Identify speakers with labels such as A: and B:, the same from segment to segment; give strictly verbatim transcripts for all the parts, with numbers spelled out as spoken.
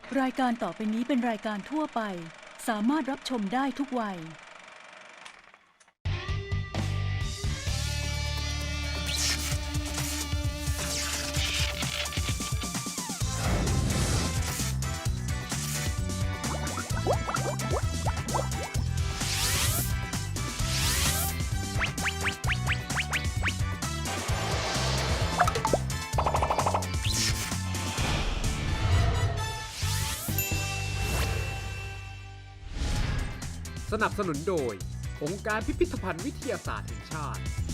A: รายการต่อไปนี้เป็นรายการทั่วไปสามารถรับชมได้ทุกวัย
B: สนับสนุนโดยองค์การพิพิธภัณฑ์วิทยาศาสตร์แห่งชาติ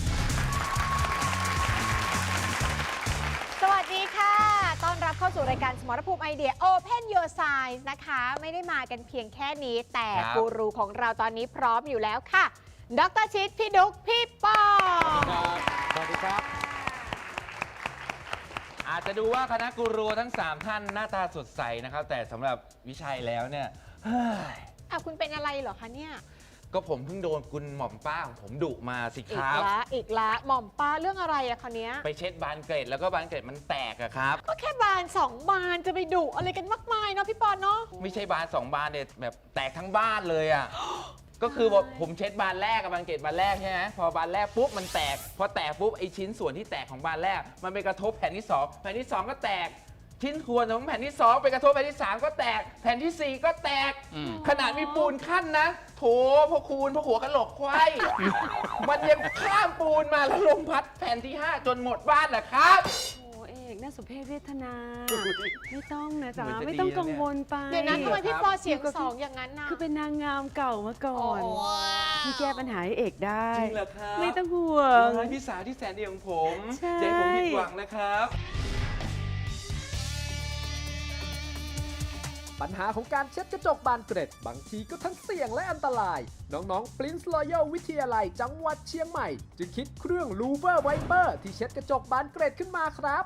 C: สวัสดีค่ะ ต้อนรับเข้าสู่รายการสมรภูมิไอเดีย Open Your Science นะคะ ไม่ได้มากันเพียงแค่นี้ แต่กูรูของเราตอนนี้พร้อมอยู่แล้วค่ะ ดร.ชิด พี่ดุ๊ก พี่ปอ
D: สวัสดีครับ อาจจะดูว่าคณะกูรูทั้งสามท่านหน้าตาสดใสนะครับ แต่สำหรับวิชัยแล้วเนี่ยเฮ้ย
C: อ่ะคุณเป็นอะไรเหรอคะเนี่ย
D: ก็ผมเพิ่งโดนคุณหม่อมป้าของผมดุมาสิค
C: อีก
D: รับ
C: ละอีกละหม่อมป้าเรื่องอะไรอะคะเนี้ย
D: ไปเช็ดบานเกล็ดแล้วก็บานเกล็ดมันแตกอะครับ
C: ก็แค่บานสองบานจะไปดุอะไรกันมากมายเนาะพี่ปอนเนาะ
D: ไม่ใช่บานสองบานเนี่ยแบบแตกทั้งบ้านเลยอะ ก็คือว่าผมเช็ดบานแรกกับบานเกล็ดบานแรกใช่ไหมพอบานแรกปุ๊บมันแตก พอแตกปุ๊บไอชิ้นส่วนที่แตกของบานแรก มันไปกระทบแผ่นที่สองแผ่นที่สองก็แตก ชิ้นส่วนของแผ่นที่สองไปกระทบแผ่นที่สามก็แตก แผ่นที่สี่ก็แตก ขนาดมีปูนขั้นนะ โถพ่อคูณพ่อหัวกะโหลกควาย มันยังข้ามปูนมาแล้วลมพัดแผ่นที่ห้าจนหมดบ้านแหละครับ
E: โอ้เอกน่าสมเพชเวทนา ไม่ต้องนะจ๊ะ
D: เหมือนจะ
E: ไม่ต้อง
D: ดีนะ
E: กังวลไป
C: เดี๋ยวนะทำไมพี่ปอเสียงสองอย่างนั้นน่ะ
E: คือเป็นนางงามเก่ามาก่อนที่แก้ปัญหาให้เอกได้
D: จริงเหรอครับ
E: ไม่ต้องห่วง
D: ว้ายพี่สาวที่แสนดีของผม
E: ใช่
D: อย่าให้ผมผิดหวังนะครับ
B: ปัญหาของการเช็ดกระจกบานเกร็ดบางทีก็ทั้งเสี่ยงและอันตราย น้องๆ Prince Royal วิทยาลัยจังหวัดเชียงใหม่ จึงคิดเครื่อง Louver Wiper ที่เช็ดกระจกบานเกร็ดขึ้นมาครับ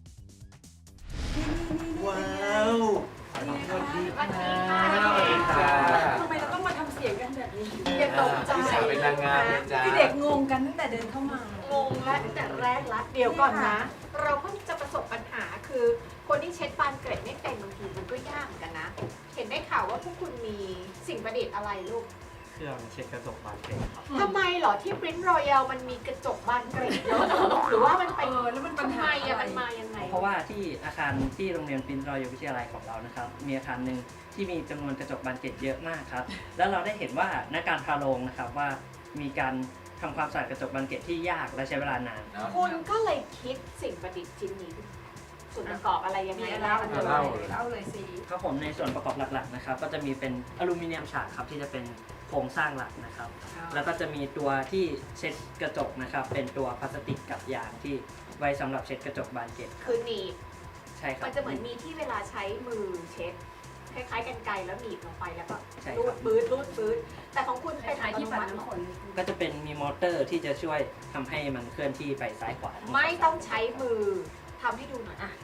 D: ว้าวสวัสดีค่ะสวัสดีค่ะ
F: ทำไมเราต้องมาทำเสียงกันแบบนี้
C: อย่าตกใจ
D: พี่สาวเป็นนางงามนะจ๊ะ
F: คือเด็กงงกันตั้งแต่เดินเข้ามา
C: งงและตั้งแต่แรกละเดี๋ยวก่อนนะ เราเพิ่งจะประสบปัญหาคือ คนที่เช็ดบานเกร็ดไม่เป็นบางทีมันก็ยากเหมือนกันนะ เห็นได้ข่าวว่าพวกคุณมีสิ่งประดิษฐ์อะไรลูก
G: เครื่องเช็ดกระจกบานเกร็ดครับ
C: ทำไมเหรอที่ Prince Royal มันมีกระจกบานเกร็ดเยอะหรือว่ามันไป
F: เออแล้วมันปัญ
C: ทำ
F: หา
C: ไม
F: อะไร
C: อะมันมายังไง
G: เพราะว่าที่อาคารที่โรงเรียนปรินซ์รอยวิทยาลัยของเรานะครับ มีอาคารหนึ่งที่มีจำนวนกระจกบานเกร็ดเยอะมากครับ แล้วเราได้เห็นว่าในการพาโรงนะครับว่ามีการทำความสะอาดกระจกบานเกร็ดที่ยากและใช้เวลานาน
C: คุณก็เลยคิดสิ่งประดิษฐ์ชิ้นนี้ขึ้นมาส่วนประกอบอะไรยังไง
F: มีอะไร
C: เล่า
F: มัน
C: เล
F: จะ
C: ย
F: เล่าเล่าเลยสิ
G: ครับผมในส่วนประกอบหลักๆนะครับก็จะมีเป็นอลูมิเนียมฉากครับที่จะเป็นโครงสร้างหลักนะครับ แล้วก็จะมีตัวที่เช็ดกระจกนะครับเป็นตัวพลาสติกกับยางที่ไว้สำหรับเช็ดกระจกบานเกล็ด
C: คือหนีบ
G: ใช่ครับ
C: มันจะเหมือนมีที่เวลาใช้มือเช็ดคล้ายๆกันไกรแล้วหนีบลงไปแล้วก็
G: ใช่
C: รู
G: ครั
C: ด
G: บ
C: ปื๊ดรูดปื๊ดแต่ของคุณ
F: ค
C: เป็น
F: ล้ายๆที่ปัด
C: อัตโมัติ
F: น้ำฝน
G: ก็จะเป็นมีมอเตอร์ที่จะช่วยทำให้มันเคลื่อนที่ไปซ้ายขวา
C: ไม่ต้องใช้มือทำให้ดูหน่อยอ่ะ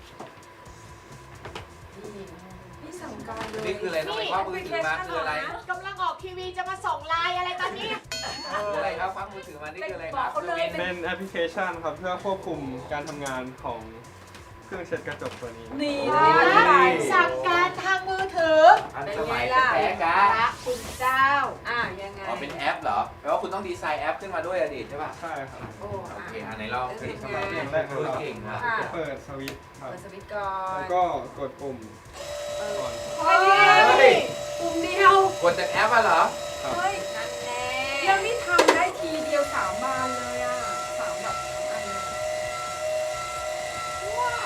F: นี่สั่งการเลย
D: นี่คืออะไรทำไมคว้ามือถือมาคืออะไร
C: กำลังออกทีวีจะมาส่งไลน์อะไรตอนนี้
D: คืออะไรครับคว้ามือถือมานี่คืออะไรครับ
F: บอกเขาเลย
H: เป็นแอปพลิเคชันครับเพื่อควบคุมการทำงานของเครื่องเช็ดกระจกตัวนี้
F: นี่
C: สั่งการทางมือถือ
D: อันสมัยแต่แพ้กา
C: พระคุณเจ้า
F: อ่ะยังไง
D: อ๋อเป็นแอปเหรอแปลว่าคุณต้องดีไซน์แอปขึ้นมาด้วยอะดิใช่ป่ะ
H: ใช่ครับ
F: โอ้
D: โอ
F: อ่ะ
D: เคอันไหนลองสิ
H: สำหรับอย่างแรก
D: คุ
H: เรา
D: ณเก่งครับ
F: ค่ะ
H: จะเปิดสวิตช์ครับ
F: เปิดสวิตช์ก่อน
H: แล้วก็กดปุ่มก่อน
F: เฮ้ยปุ่มเดียว
D: กดจากแอปอะเหรอ
H: ครับ
F: เฮ้ย
C: นั่นแน่
F: ยังนี่ทำได้ทีเดียวสามบานเลยอ่ะสามแบบสามอันเลย
C: ว้า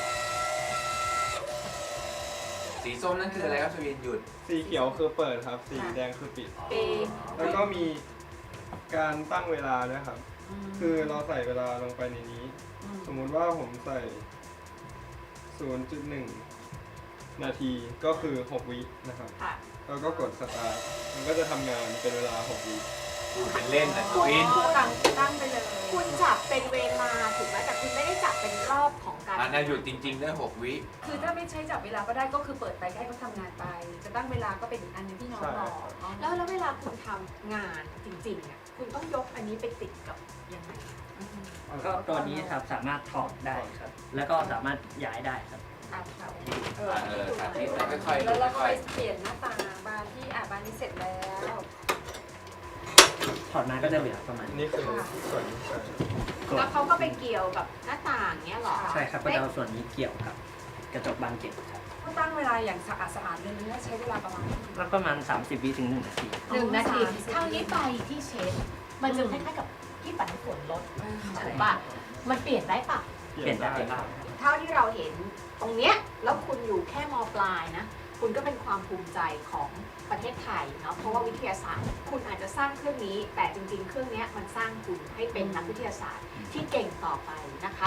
D: สีส้มนั่นคืออะไรครับชวินหยุด
H: สีเขียวคือเปิดครับ สีแดงคือปิด
C: ปี
H: แล้วก็มีการตั้งเวลาด้วยครับ คือเราใส่เวลาลงไปในนี้ สมมุติว่าผมใส่ ศูนย์จุดหนึ่ง นาทีก็คือ หก วินะครับ
C: ค่ะ
H: แล้วก็กดสตาร์ทมันก็จะทำงานเป็นเวลา หก วิ
D: ดูเป็นเล่นนะช
C: คุณ
D: วิน
F: ตั้งตั้งไปเลย
C: คุณจับเป็นเวลาถูกไหมแต่คุณไม่ได้จับเป็นรอบของการ
D: อันนั้นหยุดจริงๆได้หกวิ
F: คือถ้าไม่ใช้จับเวลาก็ได้ก็คือเปิดไปให้เขาทำงานไป จะตั้งเวลาก็เป็นอีกอันหนึงที่น้องบอกอ๋อ
C: แล้วแล้วเวลาคุณทำงานจริงๆอ่ะคุณต้องยกอันนี้ไปติดกับยังไง
G: ก็ตัวนี้ครับสามารถถอดได้ครับ แล้วก็สามารถย้ายได้ครับ
C: ตามเขา
F: เออ
D: เออสาธิตแล้วค่อยๆ
F: แล้วเรา
D: ค่
F: ค่
D: อ
F: อย ยเปลี่ยนหน้าต่างบานที่อ่ะบานนี้เสร็จแล้ว
G: ถอดมาก็จะเหลือประมาณนี้
H: นี่คือส่วนที่ใส่
F: แล้วเขาก็ไปเกี่ยวกับหน้าต่างเนี้ยเหรอ
G: ใช่ครับก็จะเอาส่วนนี้เกี่ยวกับกระจกบานเกล็ดครับ
F: ก็ตั้งเวลาอย่างสะอาดสะอาดเลยนะใช้เวลาประมาณ
G: แล้วประมาณ สามสิบวิถึงหนึ่งนาที
F: หนึ่งนาที
I: คราวนี้ไปที่เช็ดมันจะคล้ายๆกับที่ปัดน้ำฝนลดถูกปะมันเปลี่ยนได้ปะ
G: เปลี่ยนได้ครับ
F: เท่าที่เราเห็นตรงเนี้ยแล้วคุณอยู่แค่มปลายนะ คุณก็เป็นความภูมิใจของประเทศไทยเนาะเพราะว่าวิทยาศาสตร์ คุณอาจจะสร้างเครื่องนี้ แต่จริงๆ เครื่องเนี้ยมันสร้างคุณให้เป็นนักวิทยาศาสตร์ที่เก่งต่อไปนะคะ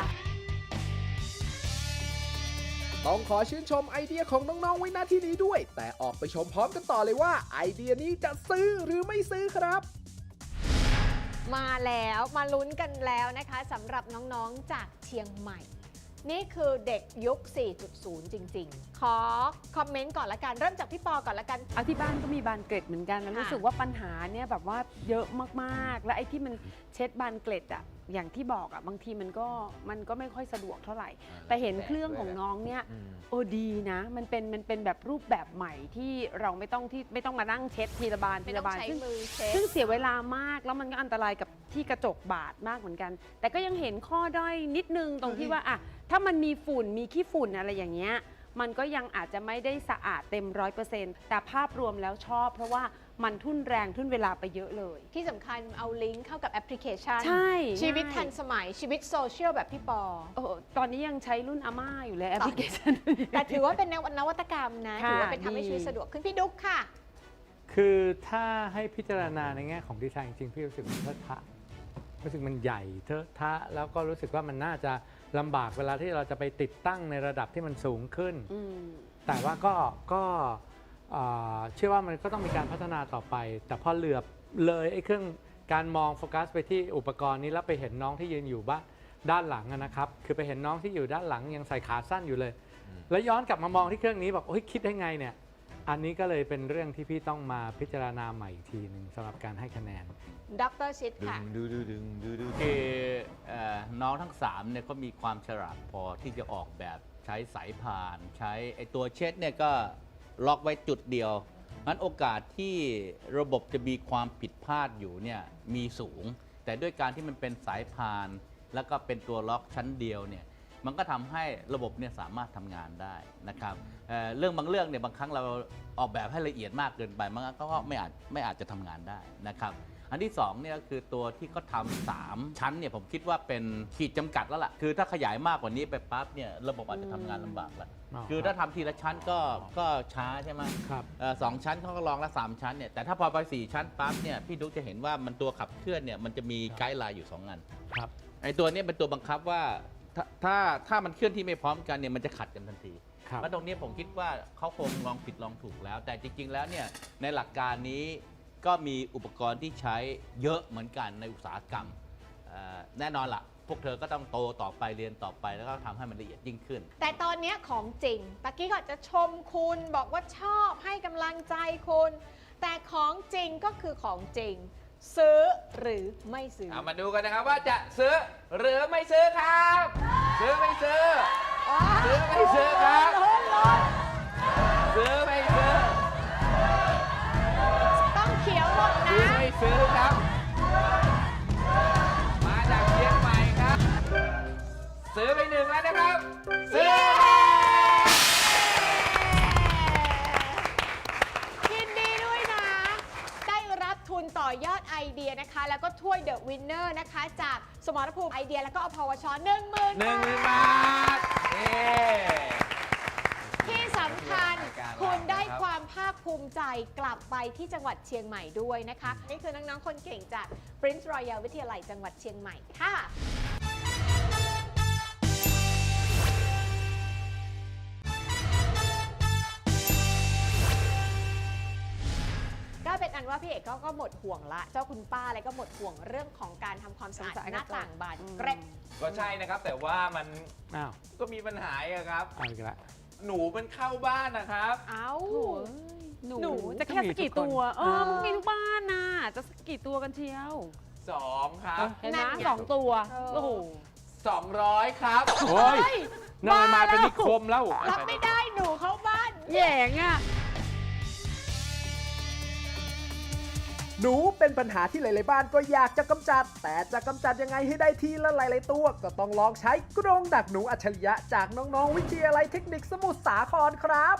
B: ต้องขอชื่นชมไอเดียของน้องๆไว้ณที่นี้ด้วย แต่ออกไปชมพร้อมกันต่อเลยว่า ไอเดียนี้จะซื้อหรือไม่ซื้อครับ
C: มาแล้วมาลุ้นกันแล้วนะคะสำหรับน้องๆจากเชียงใหม่ นี่คือเด็กยุค สี่จุดศูนย์ จริงๆ ขอคอมเมนต์ก่อนละกัน เริ่มจากพี่ปอก่อนละกัน
E: เอาที่บ้านก็มีบานเกล็ดเหมือนกันแล้ว
C: ค่ะ
E: รู้สึกว่าปัญหาเนี่ยแบบว่าเยอะมากๆ แล้วไอ้ที่มันเช็ดบานเกล็ดอะอย่างที่บอกอะบางทีมันก็มันก็ไม่ค่อยสะดวกเท่าไหร่ แต่เห็นเครื่องของน้องเนี่ยโอ้ดีนะ มันเป็นมันเป็นแบบรูปแบบใหม่ที่เราไม่ต้องที่ไม่ต้องมานั่งเช็ดทีละบานที
C: ไม่ต้อ
E: ละ
C: ง
E: บาน
C: ใช้
E: ซึ่ง
C: มือเช็ด
E: ซึ่งเสียเวลามากแล้วมันก็อันตรายกับที่กระจกบาดมากเหมือนกัน แต่ก็ยังเห็นข้อด้อยนิดนึงตรงที่ว่าอะถ้ามันมีฝุ่นมีขี้ฝุ่นอะไรอย่างเงี้ยมันก็ยังอาจจะไม่ได้สะอาดเต็มร้อยเปอร์เซ็นต์แต่ภาพรวมแล้วชอบ เพราะว่ามันทุ่นแรงทุ่นเวลาไปเยอะเลย
C: ที่สำคัญเอาลิงก์เข้ากับแอปพลิเคชัน
E: ใช่
C: ชีวิต
E: ใช่
C: ทันสมัยชีวิตโซเชียลแบบพี่ปอ
E: โอ้ตอนนี้ยังใช้รุ่นอาม่าอยู่เลยแอปพลิเคชัน
C: แต่ถือว่าเป็นนวัตกรรมนะ
E: ค่ะ
C: ถือว่าเป็นทำให้
E: ดี
C: ชีวิตสะดวกขึ้นพี่ดุ๊กค่ะ
J: คือถ้าให้พิจารณาในแง่ของดีไซน์จริงๆพี่รู้สึกมันเทอะทะรู้สึกมันใหญ่เทอะทะแล้วก็รู้สึกว่ามันน่าจะลำบากเวลาที่เราจะไปติดตั้งในระดับที่มันสูงขึ้น
E: อืม
J: แต่ว่าก็ก็เอ่อเชื่อว่ามันก็ต้องมีการพัฒนาต่อไป แต่พอเหลือบเลยไอ้เครื่องการมองโฟกัสไปที่อุปกรณ์นี้แล้วไปเห็นน้องที่ยืนอยู่บ้านด้านหลังอะนะครับคือไปเห็นน้องที่อยู่ด้านหลังยังใส่ขาสั้นอยู่เลย แล้วย้อนกลับมามองที่เครื่องนี้บอกโอ้ยคิดได้ไงเนี่ยอันนี้ก็เลยเป็นเรื่องที่พี่ต้องมาพิจารณาใหม่อีกทีหนึ่งสำหรับการให้คะแนน
C: ดรชิดค่ะ
K: ดูดูดึงดูดูคือเอ่อน้องทั้งสามเนี่ยก็มีความฉลาดพอที่จะออกแบบใช้สายพาน ใช้ไอตัวเช็ดเนี่ยก็ล็อกไว้จุดเดียวงั้นโอกาสที่ระบบจะมีความผิดพลาดอยู่เนี่ยมีสูง แต่ด้วยการที่มันเป็นสายพาน แล้วก็เป็นตัวล็อกชั้นเดียวเนี่ยมันก็ทำให้ระบบเนี่ยสามารถทำงานได้นะครับเอ่อเรื่องบางเรื่องเนี่ยบางครั้งเราออกแบบให้ละเอียดมากเกินไปมันก็ไม่อาจไม่อาจจะทำงานได้นะครับ อันที่สองเนี่ยก็คือตัวที่เขาทำสามชั้นเนี่ยผมคิดว่าเป็นขีดจำกัดแล้วล่ะคือถ้าขยายมากกว่านี้ไปปั๊บเนี่ยระบบอาจจะทำงานลำบากแล้ว
J: อ๋อ
K: คือถ้าทำทีละชั้นก็ก็ช้าใช่ไหม
J: ครับ
K: เอ่อสองชั้นเขาก็ลองละสามชั้นเนี่ยแต่ถ้าพอไปสี่ชั้นปั๊บเนี่ยพี่ดุ๊กจะเห็นว่ามันตัวขับเคลื่อนเนี่ยมันจะมีไกด์ไลน์อยู่สองอัน
J: ครับ
K: ไอ้ตัวเนี้เป็นตัวบังคับว่าถ้าถ้าถ้ามันเคลื่อนที่ไม่พร้อมกันเนี่ยมันจะขัดกันทันที
J: ครับ
K: แล้วตรงนี้ผมคิดว่าเขาคงลองผิดลองถูกแล้ว แต่จริง ๆ แล้วเนี่ยในหลักการนี้ก็มีอุปกรณ์ที่ใช้เยอะเหมือนกันในอุตสาหกรรมเอ่อแน่นอนละพวกเธอก็ต้องโตต่อไปเรียนต่อไปแล้วก็ทำให้มันละเอียดยิ่งขึ้น
C: แต่ตอนเนี้ยของจริงตะกี้ก็จะชมคุณบอกว่าชอบให้กำลังใจคุณ แต่ของจริงก็คือของจริง ซื้อหรือไม่ซื้อ
D: เอามาดูกันนะครับว่าจะซื้อหรือไม่ซื้อครับ ซื้อไม่ซื้อ ซื้อไม่ซื้อครับ ซื้อไม่ซื้อ
C: ต้องเขียวหมด
D: ซื้อ
C: นะ
D: ไม่ซื้อครับ มาจากเชียงใหม่ครับ ซื้อไปหนึ่งแล้วนะครับ ซื้อ
C: ยินดีด้วยนะ ได้รับทุนต่อยอดไอเดียนะคะ แล้วก็ถ้วยเดอะวินเนอร์นะคะ จากสมรภูมิไอเดียแล้วก็อพวชหนึ่งหมื่น
D: หนึ่งหมื่นบาทนี่
C: ที่สำคัญคุณได้ความภาคภูมิใจกลับไปที่จังหวัดเชียงใหม่ด้วยนะคะ นี่คือน้องๆคนเก่งจาก Prince Royal วิทยาลัยจังหวัดเชียงใหม่ค่ะ ก็เป็นอันว่าพี่เอกก็ก็หมดห่วงละ เจ้าคุณป้าอะไรก็หมดห่วงเรื่องของการทำความสะอาดหน้าต่างบานเกร็ด
D: ก็ใช่นะครับ แต่ว่ามัน
J: อ้าว
D: ก็มีปัญหาอะครับ
J: เอาอีกแล้ว
D: หนูมันเข้าบ้านนะครับ
C: เอ้า
E: โถ่หนู
C: หนู
E: จะแค่สักกี่ตัว เออ
J: อ่ามั
E: มันมีทุกบ้านน่ะจะสักกี่ตัวกันเชียว
D: สองครับ
E: เห็นไหม
C: นั่นไง
E: สองตัว
C: เออ
E: โอ้โห
D: สองร้อยครับ
J: โอ้ยเนยมาเป็นนิคมแล้ว
C: รับไม่ได้หนูเข้าบ้าน
E: แหย่งอ่ะ
B: หนูเป็นปัญหาที่หลายๆบ้านก็อยากจะกำจัด แต่จะกำจัดยังไงให้ได้ทีละหลายๆตัว ก็ต้องลองใช้กรงดักหนูอัจฉริยะจากน้องๆวิทยาลัยเทคนิคสมุทรสาครครับ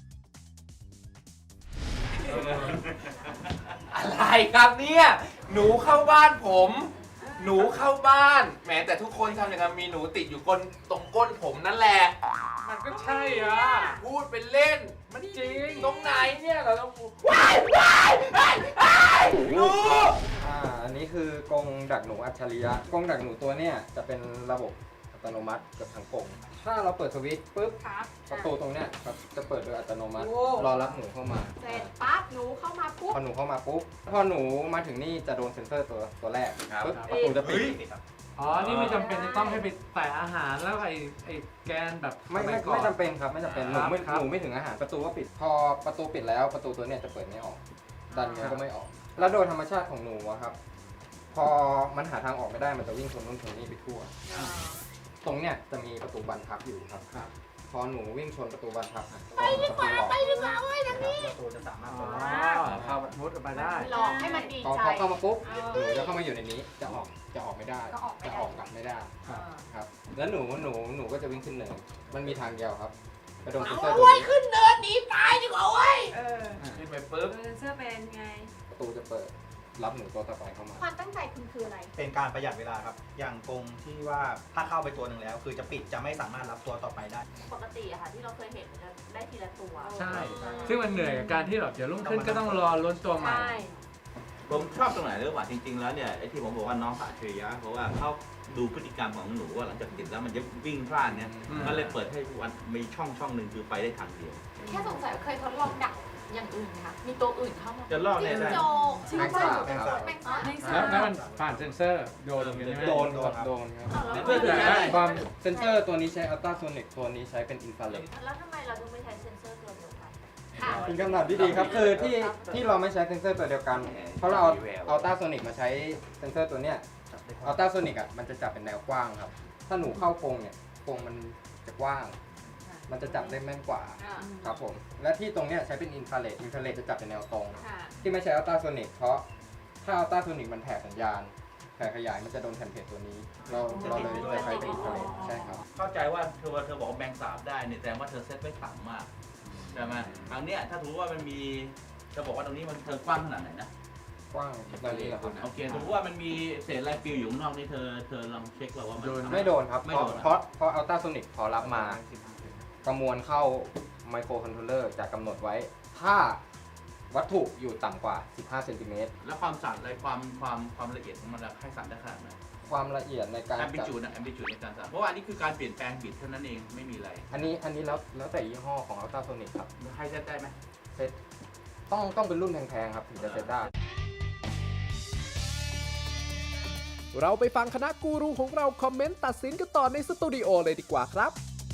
D: อะไรครับเนี่ย หนูเข้าบ้านผม หนูเข้าบ้านแหมแต่ทุกคนทำอย่างนั้นมีหนูติดอยู่ก้นตรงก้นผมนั่นแหละ
J: มันก็ใช่อ่ะ
D: พูดเป็นเล่น
J: มันจริง
D: ตรงไหนเนี่ยเราต้องว้ายว้ายว้ายว้ายหนู
H: อ่า อันนี้คือกรงดักหนูอัจฉริยะ กรงดักหนูตัวเนี้ยจะเป็นระบบอัตโนมัติเกับทั้งกรงถ้าเราเปิดสวิตช์ปุ๊บ
F: ครับ
H: ประตูตรงเนี้ยครับจะเปิดโดยอัตโนมัติ
F: โอ้
H: รอรับหนูเข้ามา
F: เสร็จปั๊บหนูเข้ามาปุ๊บ
H: พอหนูเข้ามาปุ๊บ พอหนูมาถึงนี่จะโดนเซ็นเซอร์ตัวตัวแรก
D: ครับ
H: ปุ๊บประตูจะปิด
J: อ๋อ นี่ไม่จำเป็นจะต้องให้ไปแตะอาหารแล้วไอ้ไอ้แกนแบบ
H: ไม่
J: ส
H: ไม่
J: ยก่อน
H: ไม่จำเป็นครับไม่จำเป็นหนูไม่
J: ครับ
H: หนูไม่ถึงอาหารประตูก็ปิด พอประตูปิดแล้วประตูตัวเนี้ยจะเปิดไม่ออก ดันไงก็ไม่ออก แล้วโดยธรรมชาติของหนูอะครับ พอมันหาทางออกไม่ได้มันจะวิ่งชนนู่นชนนี่ไปทั่ว ตรงเนี้ยจะมีประตูบานพับอยู่ครับ พอหนูวิ่งชนประตูบานพับไปดีกว่าไปดีกว่าเว้ยทางนี้ประตูจะสามารถ
J: อ๋อเข้ามุดออกไปได้
F: หลอกให้มันดี
H: พอ
F: ใจ
H: พอเข้ามาปุ๊บ
F: เอ
H: หนู
F: อ
H: จะเข้ามาอยู่ในนี้จะออกจะออกไม่ได้
F: ก็ออกไม่
H: จะ
F: ได้
H: ออกกลับไม่ได้
J: ครับ
H: ครับ แล้วหนูหนูหนูก็จะวิ่งขึ้นเนินมันมีทางเดียวครับไปโดนเซ็นเซอ
F: เอา
H: ร์ตัว
F: ไว้
H: นี้
F: ขึ้นเนินหนีตายดีกว่าเว้ย
E: เออ
D: ขึ้นไปปุ๊บ
E: เซนเซอร์เป็นไง
H: ประตูจะเปิดรับหนูตัวต่อไปเข้ามา
F: ความตั้งใจคุณคืออะไร
L: เป็นการประหยัดเวลาครับ อย่างกรงที่ว่าถ้าเข้าไปตัวหนึ่งแล้ว คือจะปิดจะไม่สามารถรับตัวต่อไปได้
I: ปกติอะค่ะที่เราเคยเห็นมันจะได้ทีละตัว
J: ใช่ ซึ่งมันเหนื่อยกับการที่แบบเดี๋ยวรุ่งขึ้นก็ต้องรอล้นตัวใหม่
F: ใช่
K: ผมชอบตรงไหนรู้ป่ะจริง ๆ แล้วเนี่ยไอ้ที่ผมบอกว่าน้องอัจฉริยะเพราะว่าเขาดูพฤติกรรมของหนูว่าหลังจากติดแล้วมันจะวิ่งพลาดเนี่ย
J: อืม
K: ก็เลยเปิดให้วันมีช่องช่องหนึ่งคือไปได้ทางเดียว
I: แค่สงสัยว่าเคยทดลองดักอย่างอื่นค่ะ มีตัวอื่นเข้ามา
K: จะลอกได้
I: จิ้ง
K: ได้
I: จก
H: แม็กซ์ไหมครับ
I: แมงสาบ
J: แล้วแล้วมันผ่านเซ็นเซอร์โดนตรงนี้ใช่ไหม
H: โดนครับโดนครับ
I: อ้าวแล้ว
K: เพื่อถือได้
H: ความเซ็นเซอร์ตัวนี้ใช้อัลตราโซนิกตัวนี้ใช้เป็นอินฟราเรด
I: แล้วทำไมเราถึงไม่ใช้เซ็นเซอร์ตัวเดียวกัน
F: ค่ะ
H: เป็นคำตอบที่ดีครับคือที่ที่เราไม่ใช้เซ็นเซอร์ตัวเดียวกัน เพราะเราเอาอัลตราโซนิกมาใช้เซ็นเซอร์ตัวเนี้ยอัลตราโซนิกอ่ะมันจะจับเป็นแนวกว้างครับ ถ้าหนูเข้ากรงเนี่ยกรงมันจะกว้าง มันจะจับได้แม่นกว่า
F: อ่า
H: ครับผมและที่ตรงเนี้ยใช้เป็นอินฟราเรดอินฟราเรดจะจับเป็นแนวตรง
F: ค่ะ
H: ที่ไม่ใช้อัลตราโซนิกเพราะถ้าอัลตราโซนิกมันแผ่สัญญาณแผ่ขยายมันจะโดนแผ่นเพจตัวนี้ เราเราเลยจะใช้เป็นอินฟราเรดใช่ครับ
K: เข้าใจว่าเธอเธอบอกว่าแมงสาบได้เนี่ยแต่ว่าเธอเซตไว้ต่ำมากใช่ไหมทางเนี้ยถ้าถือว่ามันมีเธอบอกว่าตรงนี้มันเธอกว้างขนาดไหนนะ
H: กว้างตอนนี้เหรอครับ
K: โอเคถือว่ามันมีเศษลายฟิวอยู่ข้างนอกนี่เธอเธอลองเช็คว่าว่ามัน
H: ไม่โดนครับ
K: ไม่
H: เพ
K: โด
H: ราะ
K: น
H: เพราะเพราะอัลตราโซนิกพอรับมาประมวลเข้าไมโครคอนโทรลเลอร์จะกำหนดไว้ ถ้าวัตถุอยู่ต่ำกว่า สิบห้าเซนติเมตร
K: แล้วความสั่นอะไรความความความละเอียดของมันให้สั่นได้ขนาดไหน
H: ความละเอียดในการ
K: แอมบิ
H: จับ
K: จูดนะแอมบิจูดในการสั่นเพราะว่าอันนี้คือการเปลี่ยนแปลงบิดเท่านั้นเองไม่มีอะไร
H: อันนี้อันนี้แล้วแล้วแต่ยี่ห้อของอัลตราโซนิกครับ
K: ให้เซตได้ไหม
H: เซตต้องต้องเป็นรุ่นแพงๆครับถึงจะเซตได้
B: เราไปฟังคณะกูรูของเราคอมเมนต์ตัดสินกันต่อในสตูดิโอเลยดีกว่าครับ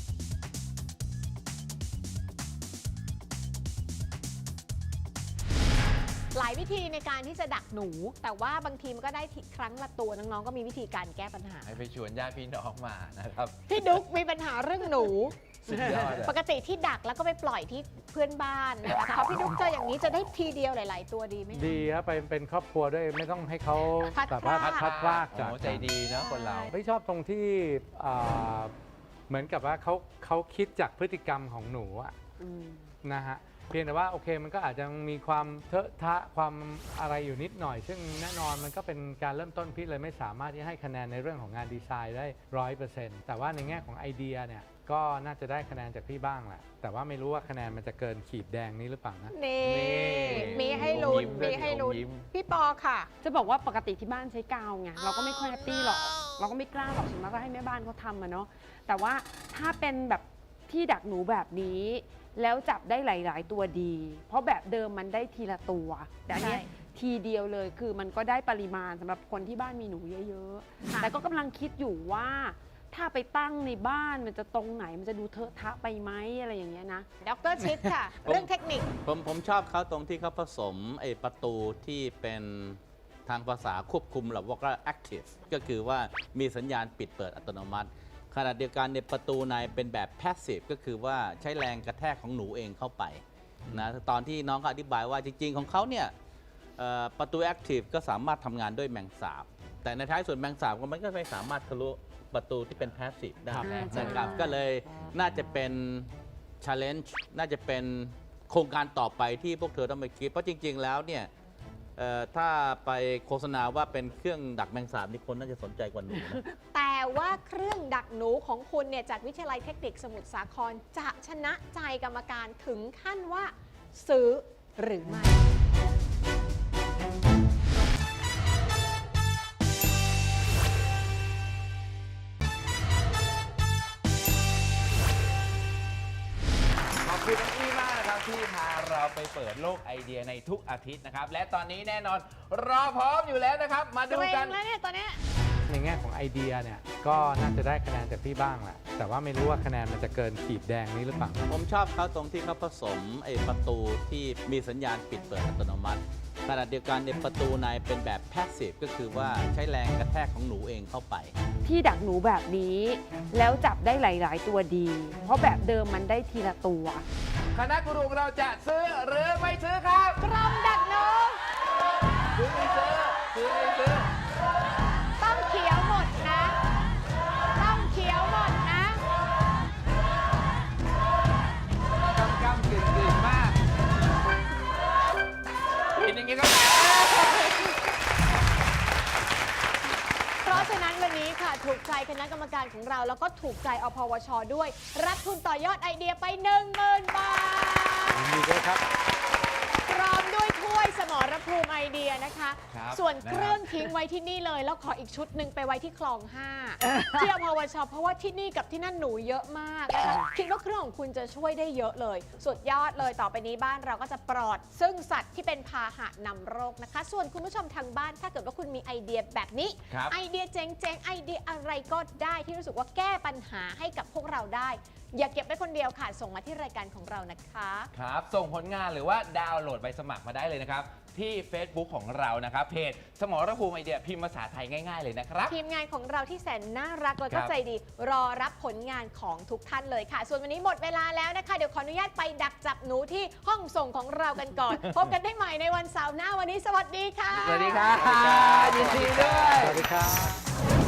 C: หลายวิธีในการที่จะดักหนู แต่ว่าบางทีมันก็ได้ทีครั้งละตัวน้องๆก็มีวิธีการแก้ปัญหา
D: ให้ไปชวนญาติพี่น้องมานะครับ
C: พี่ดุ๊กมีปัญหาเรื่องหนู
D: สุดยอดอะ
C: ปกติที่ดักแล้วก็ไปปล่อยที่เพื่อนบ้านนะคะพอพี่ดุ๊กเจออย่างนี้จะได้ทีเดียวหลาย ๆ ตัวดีไหมคะ
J: ดีครับไปเป็นครอบครัวด้วยไม่ต้องให้เขา
C: พัด
J: แบบว่า
C: พราก
J: พัดพลากจาก
D: โอ้ใจดีเนอะคนเรา
J: ไม่ชอบตรงที่อ่าเหมือนกับว่าเขาเขาคิดจากพฤติกรรมของหนูอะนะฮะเพียงแต่ว่าโอเคมันก็อาจจะมีความเทอะทะความอะไรอยู่นิดหน่อย ซึ่งแน่นอนมันก็เป็นการเริ่มต้นพี่เลยไม่สามารถที่ให้คะแนนในเรื่องของงานดีไซน์ได้ร้อยเปอร์เซ็นต์แต่ว่าในแง่ของไอเดียเนี่ยก็น่าจะได้คะแนนจากพี่บ้างแหละแต่ว่าไม่รู้ว่าคะแนนมันจะเกินขีดแดงนี้หรือเปล่านะ
C: นี่
D: นี่
C: มีให้ลุ้น
D: อมยิ้มด้วย
C: มีให้ลุ้น
D: อมยิ้ม
C: พี่ปอค่ะ
E: จะบอกว่าปกติที่บ้านใช้กาวไงเราก็ไม่ค่อยแฮปปี้หรอก เราก็ไม่กล้าหรอกส่วนมากก็ให้แม่บ้านเขาทำอะเนาะแต่ว่าถ้าเป็นแบบที่ดักหนูแบบนี้ แล้วจับได้หลาย ๆ ตัวดี เพราะแบบเดิมมันได้ทีละตัวแต่อันเนี้ย
C: ใช่
E: ทีเดียวเลยคือมันก็ได้ปริมาณสำหรับคนที่บ้านมีหนูเยอะ
C: ค่ะ
E: ๆ แต่ก็กำลังคิดอยู่ว่า ถ้าไปตั้งในบ้านมันจะตรงไหนมันจะดูเทอะทะไปไหมอะไรอย่างเงี้ยนะ
C: ดรชิดค่ะ เรื่องเทคนิค
K: ผมผมชอบเขาตรงที่เขาผสมไอ้ประตูที่เป็นทางภาษาควบคุมหรือว่า active ก็คือว่ามีสัญญาณปิดเปิดอัตโนมัติขณะเดียวกันเนี่ยประตูในเป็นแบบ passive ก็คือว่าใช้แรงกระแทกของหนูเองเข้าไปนะตอนที่น้องเขาอธิบายว่าจริงๆของเขาเนี่ยเอ่อประตู active ก็สามารถทำงานด้วยแมงสาบ แต่ในท้ายส่วนแมงสาบมันก็ไม่สามารถทะลุประตูที่เป็น passive ได้นะครับก็เลยน่าจะเป็น challenge น่าจะเป็นโครงการต่อไปที่พวกเธอต้องไปคิดเพราะจริงๆแล้วเนี่ยเอ่อถ้าไปโฆษณาว่าเป็นเครื่องดักแมงสาบนี่คนน่าจะสนใจกว่าหนูนะ
C: แต่ว่าเครื่องดักหนูของคุณเนี่ยจากวิทยาลัยเทคนิคสมุทรสาครจะชนะใจกรรมการถึงขั้นว่าซื้อหรือไม่
D: ขอบคุณน้องอี้มากนะครับที่พาเราไปเปิดโลกไอเดียในทุกอาทิตย์นะครับ และตอนนี้แน่นอนรอพร้อมอยู่แล้วนะครับ มาดูกัน
C: แล้วเนี่ยตอนนี้
J: ในแง่ของไอเดียเนี่ยก็น่าจะได้คะแนนจากพี่บ้างแหละแต่ว่าไม่รู้ว่าคะแนนมันจะเกินขีดแดงนี้หรือเปล่า
K: ผมชอบเขาตรงที่เขาผสมไอ้ประตูที่มีสัญญาณปิดเปิดอัตโนมัติขณะเดียวกันในประตูในเป็นแบบ passive ก็คือว่าใช้แรงกระแทกของหนูเองเข้าไป
E: ที่ดักหนูแบบนี้แล้วจับได้หลาย ๆ ตัวดี เพราะแบบเดิมมันได้ทีละตัว
D: คณะกูรูของเราจะซื้อหรือไม่ซื้อครับ
C: กรมดักหนู
D: ซื้อไม่ซื้อซื้อไม่ซื้อ
C: ต้องเขียวหมดนะ ต้องเขียวหมดนะ
D: กำกำกึ่งกึ่งมากเห็นอย่างงี้ก็
C: เพราะฉะนั้นวันนี้ค่ะถูกใจคณะกรรมการของเราแล้วก็ถูกใจอพวช ด้วย รับทุนต่อยอดไอเดียไป หนึ่งหมื่น บาท
J: ยินดีด้วยครับ
C: พร้อมด้วยถ้วยสมรภูมิไอเดียนะคะ
D: ครับ
C: ส่วน
D: นะครับ
C: เครื่องทิ้งไว้ที่นี่เลย แล้วขออีกชุดหนึ่งไปไว้ที่คลองห้าที่อพวช เพราะว่าที่นี่กับที่นั่นหนูเยอะมากนะคะคิดว่าเครื่องของคุณจะช่วยได้เยอะเลย สุดยอดเลยต่อไปนี้บ้านเราก็จะปลอด ซึ่งสัตว์ที่เป็นพาหะนำโรคนะคะ ส่วนคุณผู้ชมทางบ้านถ้าเกิดว่าคุณมีไอเดียแบบนี้
D: ครับ
C: ไอเดียเจ๋งๆไอเดียอะไรก็ได้ที่รู้สึกว่าแก้ปัญหาให้กับพวกเราได้ อย่าเก็บไว้คนเดียวค่ะส่งมาที่รายการของเรานะคะ
D: ครับ ส่งผลงานหรือว่าดาวน์โหลดใบสมัครมาได้เลยนะครับ ที่ Facebook ของเรานะครับเพจสมรภูมิไอเดียพิมพ์ภาษาไทยง่ายๆเลยนะครับ
C: ทีมงานของเราที่แสนน่ารักแล้ว
D: ค
C: ก็
D: รับ
C: ใจดี รอรับผลงานของทุกท่านเลยค่ะ ส่วนวันนี้หมดเวลาแล้วนะคะ เดี๋ยวขออนุญาตไปดักจับหนูที่ห้องส่งของเรากันก่อน พบกันได้ใหม่ในวันเสาร์หน้าวันนี้สวัสดีค่ะ
D: สวัสดีครับยินดีด้วย
J: สวัสดีครับ